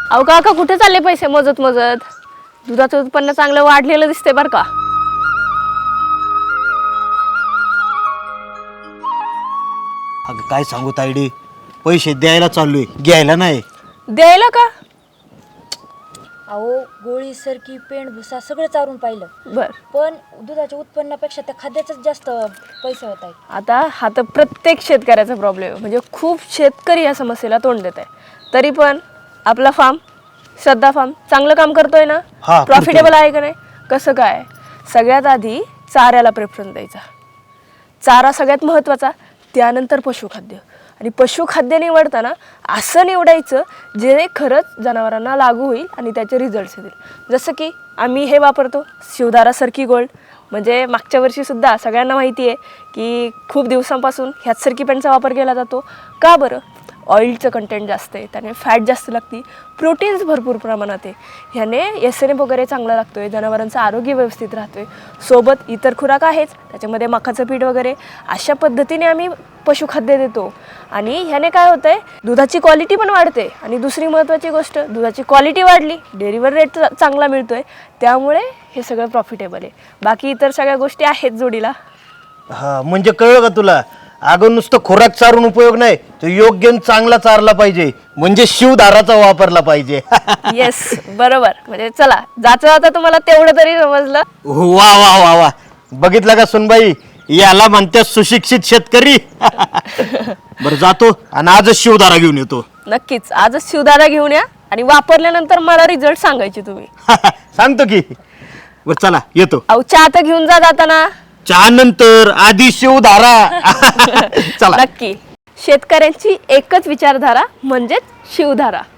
अहो काका कुठे चालले पैसे मोजत मोजत? दुधाचं उत्पन्न चांगलं वाढलेलं दिसते बरं का. अगं काय सांगू तायडे, पैसे द्यायला चाललोय, घ्यायला नाही. द्यायला का? अहो गोळी सरकी पेंड भुसा सगळं चारून पाहिलं, बर. पण दुधाच्या उत्पन्नापेक्षा त्या खाद्याचंच जास्त पैसे होत आहेत. आता हा तर प्रत्येक शेतकऱ्याचा प्रॉब्लेम आहे. म्हणजे खूप शेतकरी या समस्येला तोंड देत आहे. तरी पण आपला फार्म, श्रद्धा फार्म चांगलं काम करतोय ना? हा, प्रॉफिटेबल आहे का नाही? कसं काय? सगळ्यात आधी चाऱ्याला प्रेफरन्स द्यायचा. चारा सगळ्यात महत्त्वाचा, त्यानंतर पशुखाद्य. आणि पशुखाद्य निवडताना असं निवडायचं जे खरंच जनावरांना लागू होईल आणि त्याचे रिझल्ट्स येतील. जसं की आम्ही हे वापरतो, शिवधारा सरकी गोल्ड. म्हणजे मागच्या वर्षीसुद्धा सगळ्यांना माहिती आहे की खूप दिवसांपासून ह्याच सरकी पेंटचा वापर केला जातो. का बरं? ऑइलचं कंटेंट जास्त आहे, त्याने फॅट जास्त लागती, प्रोटीन्स भरपूर प्रमाणात आहे. ह्याने SNF वगैरे चांगला लागतो आहे, जनावरांचं आरोग्य व्यवस्थित राहतो आहे. सोबत इतर खुराक आहेच, त्याच्यामध्ये मकाचं पीठ वगैरे. अशा पद्धतीने आम्ही पशुखाद्य देतो. आणि ह्याने काय होतं आहे, दुधाची क्वालिटी पण वाढते. आणि दुसरी महत्त्वाची गोष्ट, दुधाची क्वालिटी वाढली, डेअरीवर रेट चांगला मिळतो आहे, त्यामुळे हे सगळं प्रॉफिटेबल आहे. बाकी इतर सगळ्या गोष्टी आहेत जोडीला. हा म्हणजे कळलं का तुला? अगं नुसतं खुराक चारून उपयोग नाही, तो योग्य आणि चांगला चारला पाहिजे, म्हणजे शिवधाराचा वापरला पाहिजे. येस, बरोबर. म्हणजे चला, जाता जाता तुम्हाला तेवढं तरी समजलं. वा वा वा वा, बघितलं का सुनबाई, याला म्हणते सुशिक्षित शेतकरी. बरं जातो आणि आजच शिवधारा घेऊन येतो. नक्कीच आजच शिवधारा घेऊन या आणि वापरल्यानंतर मला रिझल्ट सांगायचे तुम्ही. सांगतो की. बरं चला येतो. अहो चहा तर घेऊन जा जाताना. चहा नंतर, आधी शिवधारा. चला. नक्की. शेतकऱ्यांची एकच विचारधारा म्हणजेच शिवधारा.